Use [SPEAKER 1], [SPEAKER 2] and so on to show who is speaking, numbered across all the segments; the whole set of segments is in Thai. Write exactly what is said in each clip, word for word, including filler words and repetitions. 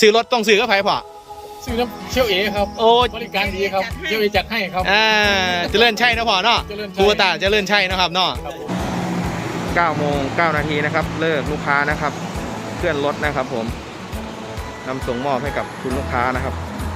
[SPEAKER 1] ซื้อรถต้องซื้อกับไผพ่อ
[SPEAKER 2] ซื้อน้ำเชี่ยวเอครับ
[SPEAKER 1] โอ้
[SPEAKER 2] บริการดีครับเชี่ยวเอจัดให้ครับ
[SPEAKER 1] อ่าเจริญชัยนะพ่อเนาะครูตาเจริญชัยนะครับเนาะเก้าโมงเก้านาทีนะครับเลิกลูกค้านะครับเคลื่อนรถนะครับผมนำส่งมอบให้กับคุณลูกค้านะครับ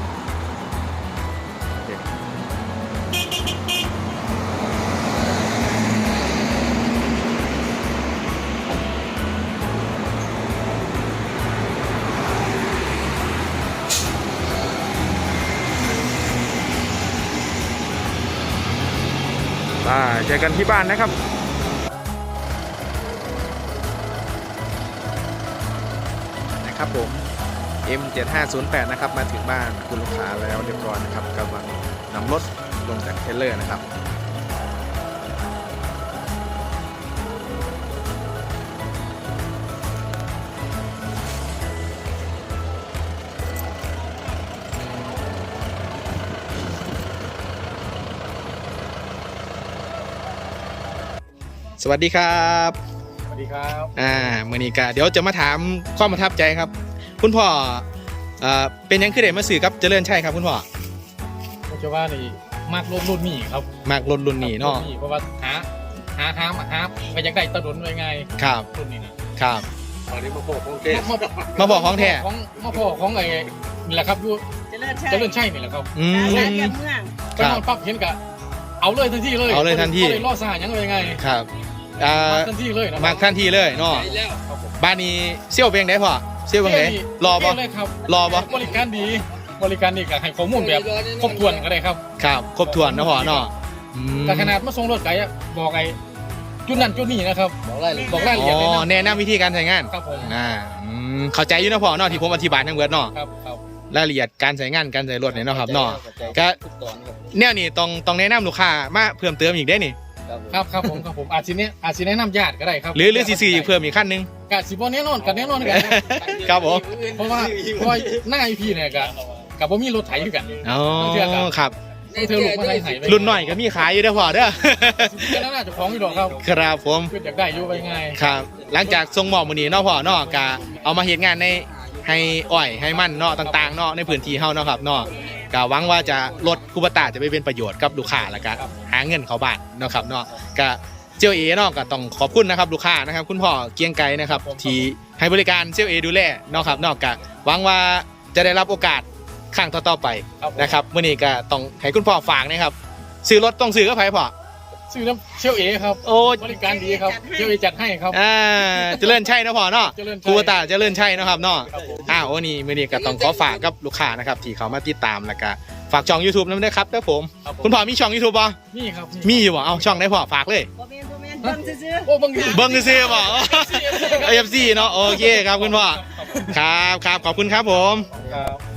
[SPEAKER 1] เจอกันที่บ้านนะครับนะครับผม เอ็ม เจ็ดห้าศูนย์แปด นะครับมาถึงบ้านคุณลูกค้าแล้วเรียบร้อยนะครับกำลังนำรถลงจากเทรลเลอร์นะครับสวัสดีครับ
[SPEAKER 2] สวัสดีครับ
[SPEAKER 1] อ่าเมื่อนี้ก็เดี๋ยวจะมาถามความประทับใจครับคุณพ่ออ่าเป็นยังคือเด็กมาสื่อครับเจริญชัยครับคุณพ่อ
[SPEAKER 2] ผมจะว่านี่มากรุ่นรุ่นนี้ครับ
[SPEAKER 1] มากรุ่นรุ่นนี้เนาะ
[SPEAKER 2] เพราะว่าหาหาหาหาไปยังได้ตะดุนไว้ไง
[SPEAKER 1] ครับ
[SPEAKER 2] รุ่นนี้นะครับ
[SPEAKER 3] ตอนนี้มาบอกของแท้
[SPEAKER 1] มาบอกของแท้
[SPEAKER 2] ของมาบอกของไอ้นี่แหละครับดูเจริญชัยเจริญชัยนี่แหละครับ
[SPEAKER 1] อืม
[SPEAKER 2] ไปนอนปั๊บเห็นกะเอาเลยทันทีเลย
[SPEAKER 1] เอาเลยทันที
[SPEAKER 2] เลยล่อซ่ายังเลยไง
[SPEAKER 1] ครับอ่า
[SPEAKER 2] ทันทีเลย
[SPEAKER 1] มากทันทีเลยเนาะบ้านนี้เซี่ยวเพลงได้พ่อเซี่ยวเพลงไหนรอปะรอปะ
[SPEAKER 2] บริการดีบริการดีกับให้ข้อมูลแบบครบถ้วนก็ได้ครับ
[SPEAKER 1] ครับครบถ้วนนะพ่อเนาะ
[SPEAKER 2] แต่ขนาดมาส่งรถไก่บอกไอ้จุดนั้นจุดนี้นะครับบอกรายละเอียดบอกรายละเอียด
[SPEAKER 1] อ๋อแนะนำวิธีการใช้งาน
[SPEAKER 2] ครับผม
[SPEAKER 1] อ่าเข้าใจอยู่นะพ่อเนาะที่ผมอธิบายทั้งเบิดเนาะ
[SPEAKER 2] ครับครับ
[SPEAKER 1] รายละเอียดการใช้งานการใช้รถเนี่ยเนาะครับเนาะก็เนี่ยนี่ต้องต้องแนะนำลูกค้ามาเพิ่มเติมอีกได้นี่
[SPEAKER 2] ครับครับผมครับผมอาจจะเนี้ยอาจจะแนะนำญาติก็ได้ครับ
[SPEAKER 1] หรือหรือซีซีเพิ่มอีกขั้นนึง
[SPEAKER 2] กะสิบวันแน่นอนกันแน่นอนกัน
[SPEAKER 1] ครับผม
[SPEAKER 2] เพราะว่าเพราะว่าหน้าไอพีเนี่ยกะกับผมมีรถไถอยู่กัน
[SPEAKER 1] อ๋อครับ
[SPEAKER 2] เธอลูกมาไถไถ
[SPEAKER 1] รุ่นหน่อยก็มีขายอยู่เด้อพ่อเด้อ
[SPEAKER 2] แล้วน่าจะฟ้องอยู่ดอกครับ
[SPEAKER 1] ครับผม
[SPEAKER 2] เพื่ออยากได้อยู่ไปไง
[SPEAKER 1] ครับหลังจากทรงหมอบมือนี้เนาะพ่อเนาะกะเอามาเฮ็ดงานในให้อ้อยให้มันเนาะต่างๆเนาะในพื้นที่เฮาเนาะครับเนาะก็หวังว่าจะลดคูปต้าจะไปเป็นประโยชน์กับลูกค้าแล้วก็หาเงินเข้าบ้านเนาะครับเนาะก็เซียวเอเนาะก็ต้องขอบคุณนะครับลูกค้านะครับคุณพ่อเกียงไกรนะครับที่ให้บริการเซียวเอดูแลเนาะครับเนาะก็หวังว่าจะได้รับโอกาสครั้งต่อๆไปนะครับมื้อนี้ก็ต้องให้คุณพ่อฝากนะครับซื้อรถต้องซื้อกับไผพ่อ
[SPEAKER 2] ซื้อน้ำเชี่ยวเอครับ
[SPEAKER 1] โอ้
[SPEAKER 2] บริการดีครับเชี่ยวเอจัดให้ครับ
[SPEAKER 1] อ่าเจริญชัยนะพ่อเนาะครูตาเจริญชัยนะครับเนาะอ้าววันนี้มื้อนี้ก็ต้องขอฝากกับลูกค้านะครับที่เขามาติดตามแล้วก็ฝากช่อง YouTube นั้นด้วยครับเด้อผมคุณพ่อมีช่อง YouTube ป่ะ
[SPEAKER 2] มีครับ
[SPEAKER 1] มีอยู่บ่เอาช่องได้พ่อฝากเลย
[SPEAKER 2] เบิ้งซื่อๆโอ้เบิ้ง
[SPEAKER 1] เบิ้งซื่อๆบ่ เอฟ ซี เนาะโอเคครับคุณพ่อครับครับขอบคุณครับผม
[SPEAKER 2] ครับ